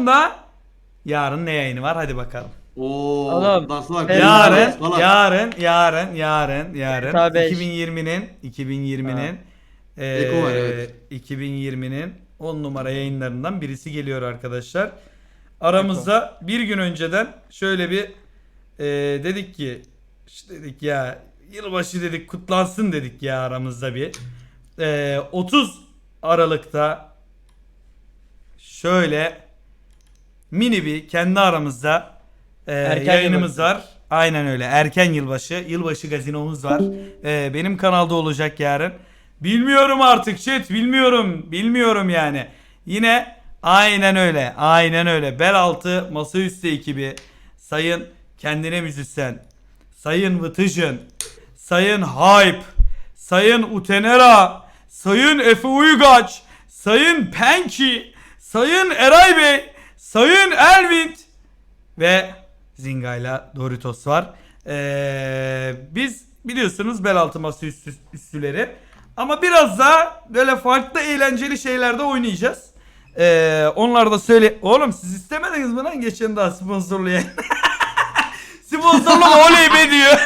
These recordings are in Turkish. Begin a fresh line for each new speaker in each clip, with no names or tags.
yarın ne yayını var? Hadi bakalım.
Oğlum.
Nasıl bak?
Yarın
GTA 5.
2020'nin
Eko var, evet.
2020'nin 10 numara yayınlarından birisi geliyor arkadaşlar. Aramızda bir gün önceden şöyle bir dedik ki işte dedik ya yılbaşı dedik kutlansın dedik ya aramızda bir 30 Aralık'ta şöyle mini bir kendi aramızda yayınımız var. Aynen öyle. Erken yılbaşı gazinomuz var. Benim kanalda olacak yarın. Bilmiyorum artık chat, bilmiyorum yani. Yine aynen öyle. Bel altı masaüstü ekibi, sayın kendine müzisyen, sayın Vıtıcın, sayın Hype, sayın Utenera, sayın Efe Uygaç, sayın Penki, sayın Eray Bey, sayın Elvin ve Zinga'yla Doritos var. Biz biliyorsunuz bel altı masa üstüleri. Ama biraz daha böyle farklı eğlenceli şeylerde oynayacağız. Onlar da söyle... Oğlum siz istemediniz mi lan geçen daha sponsorlu yayın? Sponsorlu oley be diyor.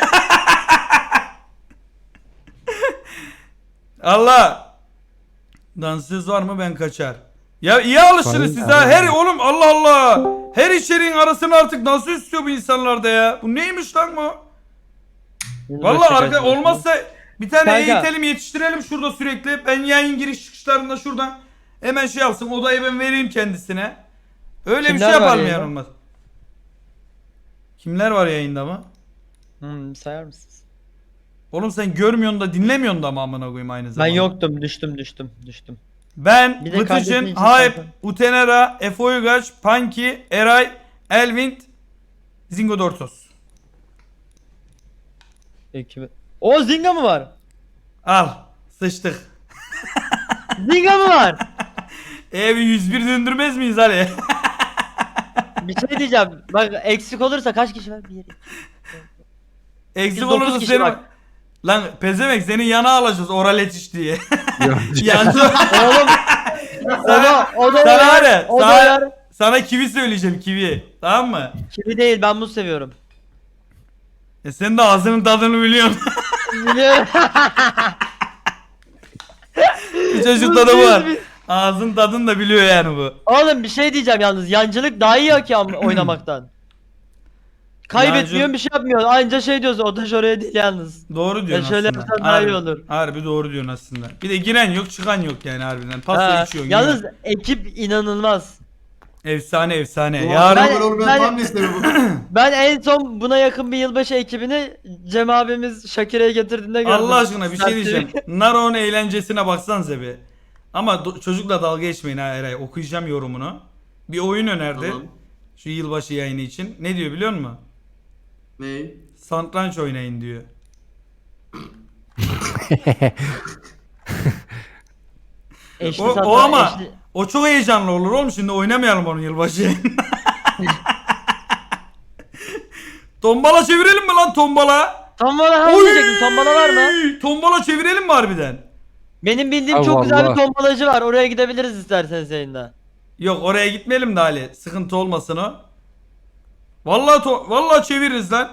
Allah. Dansöz var mı ben kaçar. Ya iyi alışırız siz ha. Her oğlum Allah Allah. Her içeriğin arasını artık dansöz istiyor bu insanlarda ya. Bu neymiş lan bu? Vallahi arka olmazsa bir tane eğitelim yetiştirelim şurada sürekli. Ben yayın giriş çıkışlarında şuradan hemen şey yapsın. Odayı ben vereyim kendisine. Öyle bir şey yapalım yani olmaz. Kimler var yayında mı?
Sayar mısınız?
Oğlum sen görmüyorsun da dinlemiyorsun da mı amına koyayım aynı zamanda?
Ben yoktum, düştüm.
Ben,
Bir de
Vıtıcın,
kardeşim için
Hype,
zaten.
Utenera, Efe Uygaç, Punky, Eray, Elvin, Zingo Dortos.
O Zinga mı var?
Al. Sıçtık.
Zinga mı var?
Bir 101 döndürmez miyiz Ali?
Bir şey diyeceğim. Bak eksik olursa kaç kişi var? 1, 2.
Eksik
Biz dokuz
olursa
kişi
seni...
bak.
Lan pezemek seni yana alacağız oral etiş diye.
Ya,
Oğlum. O da
Sana var
var.
ya,
O da
sana,
var.
sana kivi söyleyeceğim kivi. Tamam mı?
Kivi değil, ben muz seviyorum.
Sen de ağzının tadını biliyorsun.
Biliyorum.
Bir çocukta da bu var. Ağzın tadını da biliyor yani bu.
Oğlum bir şey diyeceğim yalnız. Yancılık daha iyi ki oynamaktan. Kaybetmiyorsun, bir şey yapmıyorsun. Anca şey diyorsun. O taş oraya değil yalnız.
Doğru diyorsun
şöyle
aslında.
yapsan daha iyi olur.
Harbi doğru diyorsun aslında. Bir de giren yok çıkan yok yani harbiden. Pasta
Ha,
içiyorsun.
yalnız
yiyorsun.
ekip inanılmaz.
Efsane.
Yarın
Yarın
ben tam listemi bu.
Ben en son buna yakın bir yılbaşı ekibini Cem abimiz Şakire'ye getirdiğinde gördüm.
Allah aşkına bir şey
Sertçe.
diyeceğim. Naro'nun eğlencesine baksanıza bir. Ama çocukla dalga geçmeyin ha Eray. Okuyacağım yorumunu. Bir oyun önerdi.
Tamam.
Şu yılbaşı yayını için. Ne diyor biliyor musun?
Ney?
Satranç oynayın diyor.
Eşli
O
satranç,
ama
eşli-
o çok heyecanlı olur oğlum, şimdi oynamayalım onun yılbaşı yayını. Tombala çevirelim mi lan tombala?
Tombala
Oy!
diyecektim. Tombala var mı?
Tombala çevirelim mi harbiden?
Benim bildiğim
Ha,
çok güzel
vallahi.
bir tombalacı var. Oraya gidebiliriz isterseniz yayında.
Yok oraya gitmeyelim de Ali. Sıkıntı olmasın o. Vallahi çeviririz lan.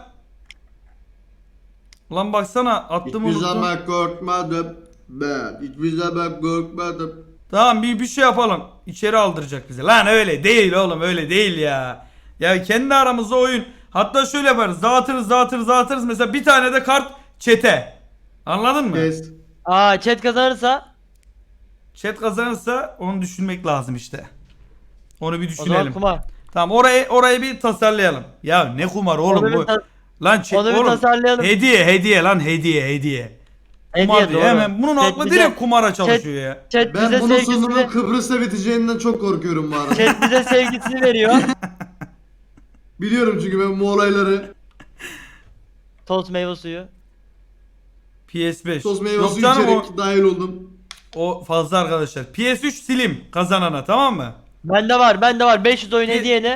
Ulan baksana attım
Hiçbir
unuttum.
zaman korkmadım. Ben hiçbir zaman korkmadım.
Tamam bir şey yapalım. İçeri aldıracak bize. Lan öyle değil oğlum, öyle değil ya. Ya kendi aramızda oyun. Hatta şöyle yaparız. Dağıtırız. Mesela bir tane de kart çete. Anladın mı?
Kes.
Chat kazanırsa
Chat kazanırsa onu düşünmek lazım işte. Onu bir
o zaman
düşünelim.
kumar.
Tamam orayı bir tasarlayalım. Ya ne kumar oğlum
Onu bir
bu.
ta-
Lan
onu bir
oğlum
tasarlayalım.
hediye lan hediye. Kumar
Hediye
diyor.
doğru.
Hemen bunun
Chat
aklı
bize-
direkt kumara çalışıyor ya.
Chat
Ben
bize
bunun sonunun
sevgisini,
Kıbrıs'ta biteceğinden çok korkuyorum bu arada.
chat bize sevgisini veriyor.
Biliyorum çünkü ben bu olayları
Tost meyve suyu.
PS5.
sos meyve
Yok
suyu
canım
içerek dahil oldum.
o fazla arkadaşlar. PS3 Slim kazanana, tamam mı?
Bende var. 500 oyun hediyene.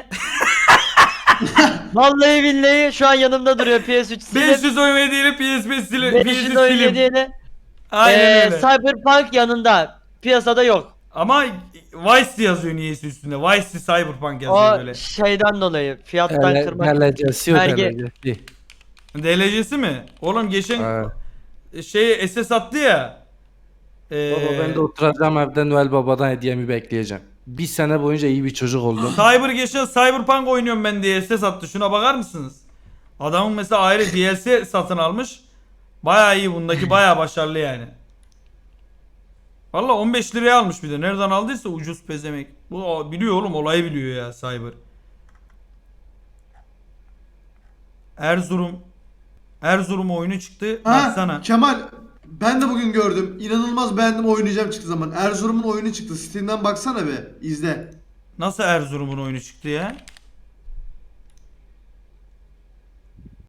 Vallahi billahi şu an yanımda duruyor PS3 Slim.
500 oyun hediyeli PS5 Slim.
500
Slim.
oyun hediyene.
Aynen öyle.
Cyberpunk yanında. Piyasada yok.
Ama Vice yazıyor niyeyse üstünde. Vice Cyberpunk yazıyor
O
böyle.
şeyden dolayı fiyattan kırmak.
Delecesi yok
Belge-
delecesi.
DLC'si mi? Oğlum geçen
Ha.
SS attı ya.
Baba ben de oturacağım evde Noel Baba'dan hediyemi bekleyeceğim. Bir sene boyunca iyi bir çocuk oldum.
Geçen Cyberpunk oynuyorum ben diye SS attı. Şuna bakar mısınız? Adamın mesela ayrı DLC satın almış. Bayağı iyi, bundaki bayağı başarılı yani. Valla 15 liraya almış bir de. Nereden aldıysa ucuz pezemek. Bu biliyor oğlum, olayı biliyor ya Cyber. Erzurum oyunu çıktı. Baksana.
Ha Kemal, ben de bugün gördüm. İnanılmaz beğendim, oynayacağım çıktı zaman. Erzurum'un oyunu çıktı. Steam'den baksana be, izle.
Nasıl Erzurum'un oyunu çıktı ya?